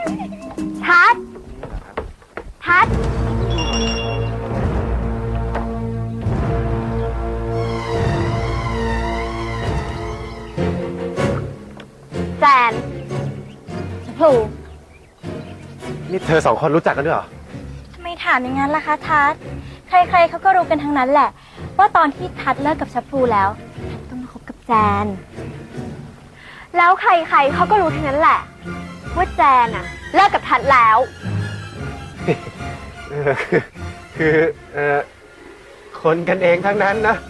ทัดทัดแจนชพลูนี่เธอสองคนรู้จักกันด้วยเหรอทำไมถามอย่างนั้นล่ะคะทัดใครๆเขาก็รู้กันทั้งนั้นแหละว่าตอนที่ทัดเลิกกับชพลูแล้วทัดต้องมาคบกับแจนแล้วใครๆเขาก็รู้ทั้งนั้นแหละว่าแจนอะเลิกกับทัดแล้วคือคนกันเองทั้งนั้นนะ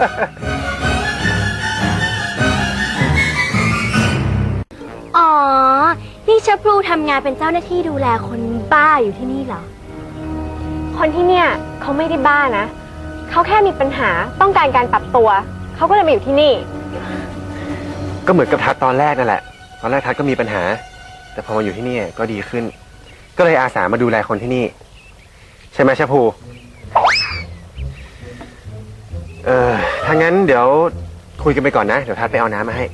อ๋อนี่ชพลูทำงานเป็นเจ้าหน้าที่ดูแลคนบ้าอยู่ที่นี่เหรอคนที่เนี่ยเขาไม่ได้บ้านะเขาแค่มีปัญหาต้องการการปรับตัวเขาก็เลยมาอยู่ที่นี่ก็เหมือนกับทัดตอนแรกนั่นแหละตอนแรกทัดก็มีปัญหาแต่พอมาอยู่ที่นี่ก็ดีขึ้นก็เลยอาสามาดูแลคนที่นี่ใช่ไหมชะพูถ้างั้นเดี๋ยวคุยกันไปก่อนนะเดี๋ยวทัดไปเอาน้ำมาให้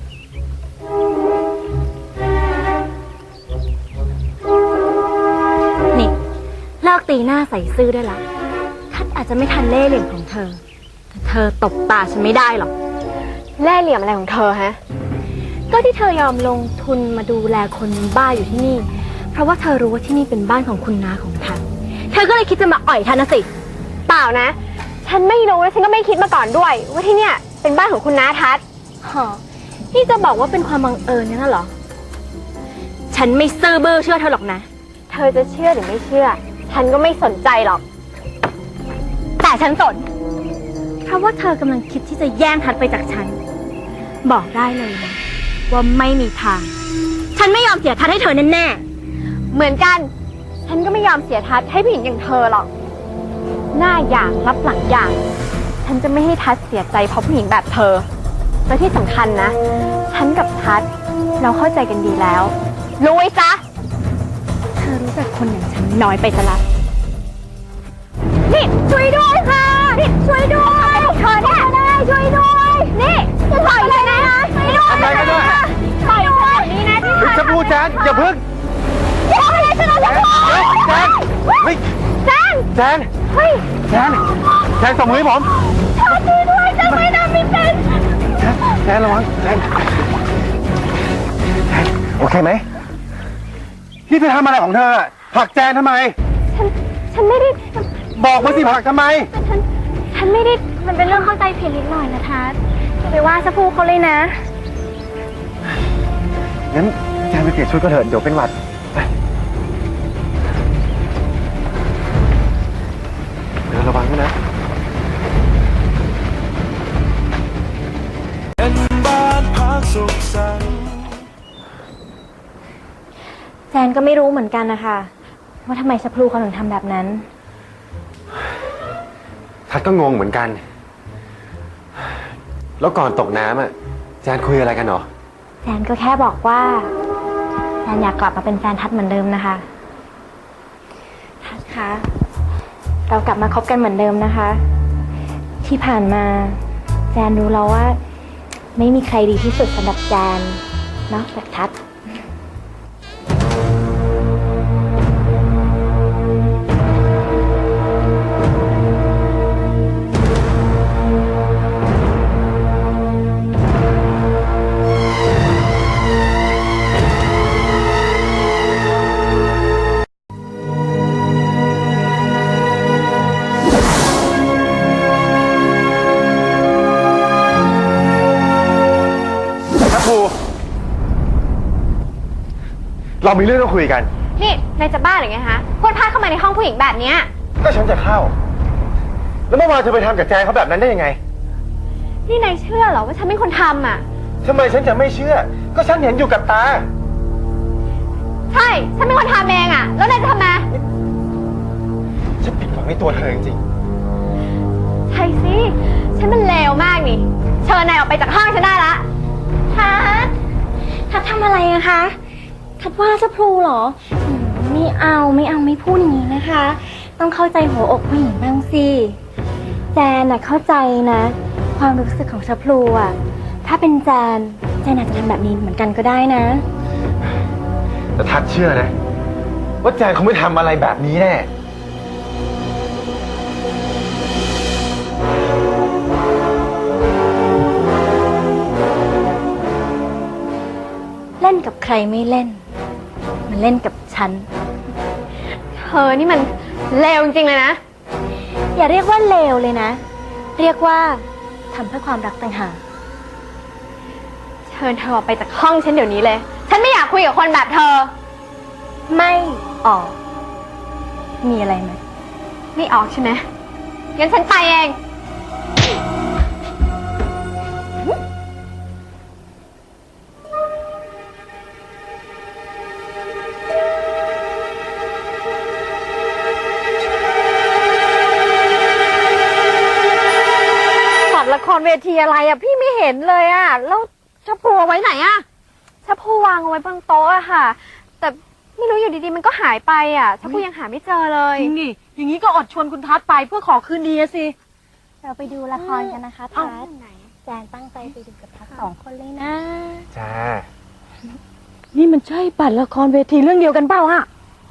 นี่เลิกตีหน้าใส่ซื่อได้ละทัดอาจจะไม่ทันเล่ห์เหลี่ยมของเธอแต่เธอตบตาฉันไม่ได้หรอกเล่ห์เหลี่ยมอะไรของเธอฮะก็ที่เธอยอมลงทุนมาดูแลคนบ้าอยู่ที่นี่เพราะว่าเธอรู้ว่าที่นี่เป็นบ้านของคุณน้าของทัดเธอก็เลยคิดจะมาอ่อยทัดนะสิเปล่านะฉันไม่รู้และฉันก็ไม่คิดมาก่อนด้วยว่าที่เนี่ยเป็นบ้านของคุณน้าทัดนี่จะบอกว่าเป็นความบังเอิญนั่นเหรอฉันไม่ซื่อบื้อเชื่อเธอหรอกนะเธอจะเชื่อหรือไม่เชื่อฉันก็ไม่สนใจหรอกแต่ฉันสนเพราะว่าเธอกำลังคิดที่จะแย่งทัดไปจากฉันบอกได้เลยนะว่าไม่มีทางฉันไม่ยอมเสียทัดให้เธอแน่ๆเหมือนกันฉันก็ไม่ยอมเสียทัดให้ผู้หญิงอย่างเธอหรอกหน้าอย่างรับหลังอย่างฉันจะไม่ให้ทัดเสียใจเพราะผู้หญิงแบบเธอและที่สำคัญนะฉันกับทัดเราเข้าใจกันดีแล้วรู้ไว้ซะเธอรู้จักคนอย่างฉันน้อยไปซะละนี่ช่วยด้วยค่ะนี่ช่วยด้วยเธอเนี่ยช่วยด้วยนี่จะปล่อยเลยนะช่วยด้วยทำอะไรกันด้วยปล่อยแบบนี้นะที่ชะพูแจนอย่าพึ่งแจนอะไรฉันจะพูแจนเฮ้ยแจนแจนเฮ้ยแจนแจนส่งมือให้ผมช่วยด้วยจะไม่ทำไม่เป็นแจนระวังแจนโอเคไหมนี่เธอทำอะไรของเธอผลักแจนทำไมฉันไม่ได้บอกมาสิผลักทำไมฉันไม่ได้มันเป็นเรื่องเข้าใจผิดนิดหน่อยนะทัศน์อย่าไปว่าชะพูเขาเลยนะงั้นแจนไปเปลี่ยนชุดก็เถอะเดี๋ยวเป็นหวัดไปเดี๋ยวระวังด้วยนะแจนก็ไม่รู้เหมือนกันนะคะว่าทำไมชะพลูเขาถึงทำแบบนั้นทัดก็งงเหมือนกันแล้วก่อนตกน้ำอ่ะแจนคุยอะไรกันหรอแจนก็แค่บอกว่าแจนอยากกลับมาเป็นแฟนทัดเหมือนเดิมนะคะทัดคะเรากลับมาคบกันเหมือนเดิมนะคะที่ผ่านมาแจนรู้แล้วว่าไม่มีใครดีที่สุดสำหรับแจนนอกจากทัดเรามีเรื่องต้องคุยกันนี่นายจะบ้าหรือไงฮะพูดพลาดเข้ามาในห้องผู้หญิงแบบนี้ก็ฉันจะเข้าแล้วเมื่อวานเธอไปทำกับแจนเขาแบบนั้นได้ยังไงนี่นายเชื่อเหรอว่าฉันเป็นคนทำอ่ะทำไมฉันจะไม่เชื่อก็ฉันเห็นอยู่กับตาใช่ฉันเป็นคนทำเองอ่ะแล้วนายจะทำไมฉันผิดหวังในตัวเธอจริงใช่สิฉันมันเลวมากนี่เชิญนายออกไปจากห้องฉันได้ละทัดทำอะไรอะคะทัดว่าชะพลูเหรอไม่พูดอย่างนี้นะคะต้องเข้าใจหัวอกผู้หญิงบ้างสิแจนน่ะเข้าใจนะความรู้สึกของชะพลูอะถ้าเป็นแจนอาจจะทำแบบนี้เหมือนกันก็ได้นะแต่ทัดเชื่อนะ ว่าแจนคงไม่ทำอะไรแบบนี้แน่เล่นกับใครไม่เล่น มันเล่นกับฉันเธอนี่มันเลวจริงๆเลยนะอย่าเรียกว่าเลวเลยนะ เรียกว่าทำเพื่อความรักต่างหากเชิญเธอออกไปจากห้องฉันเดี๋ยวนี้เลย ฉันไม่อยากคุยกับคนแบบเธอไม่ออก มีอะไรไหมไม่ออกใช่ไหมงั้นฉันไปเองบัตรละครเวทีอะไรอ่ะพี่ไม่เห็นเลยอ่ะแล้วชะพูเอาไว้ไหนอ่ะชะพูวางเอาไว้บนโต๊ะอะค่ะ แต่ไม่รู้อยู่ดีๆมันก็หายไปอะชะพูยังหาไม่เจอเลยจริงดิอย่างนี้ก็อดชวนคุณทัศน์ไปเพื่อขอคืนดีอะสิเราไปดูละครกันนะคะทัศน์แจนตั้งใจไปดูกับทัศน์2 คนเลยนะจ้านี่มันใช่บัตรละครเวทีเรื่องเดียวกันเปล่าอ่ะ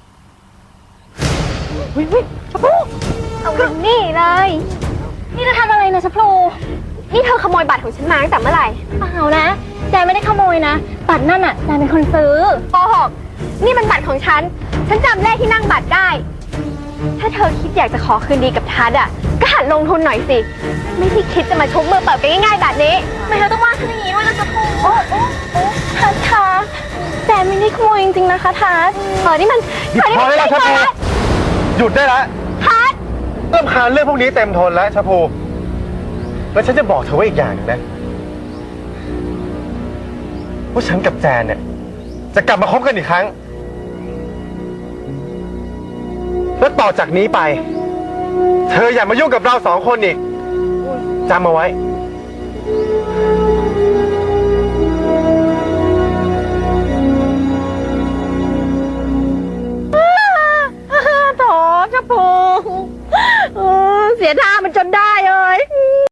วิชะพูเอาไปนี่เลยนี่เธอทำอะไรนะชะพลูนี่เธอขโมยบัตรของฉันมาตั้งแต่เมื่อไหร่เปล่านะ แจนไม่ได้ขโมยนะ บัตรนั่นอ่ะแจนเป็นคนซื้อโกหกนี่มันบัตรของฉัน ฉันจำเลขที่นั่งบัตรได้ ถ้าเธอคิดอยากจะขอคืนดีกับทัศน์อะก็หัดลงทุนหน่อยสิ ไม่ที่คิดจะมาชุบมือเปิดไปง่ายๆแบบนี้ไม่เธอต้องว่าฉันอย่างนี้ด้วยนะชะพลูโอ้ทัศน์คะแจนไม่ได้ขโมยจริงๆนะคะทัศน์เธอนี่มันหยุดพอได้แล้วชะพูหยุดได้แล้วทัศน์เริ่มคานเรื่องพวกนี้เต็มทนแล้วชะพูแล้วฉันจะบอกเธอไว้อีกอย่างหนึงนะว่าฉันกับแจนเนี่ยจะกลับมาคบกันอีกครั้ง แล้วต่อจากนี้ไป เธออย่ามายุ่งกับเรา2 คนอีกจำเอาไว้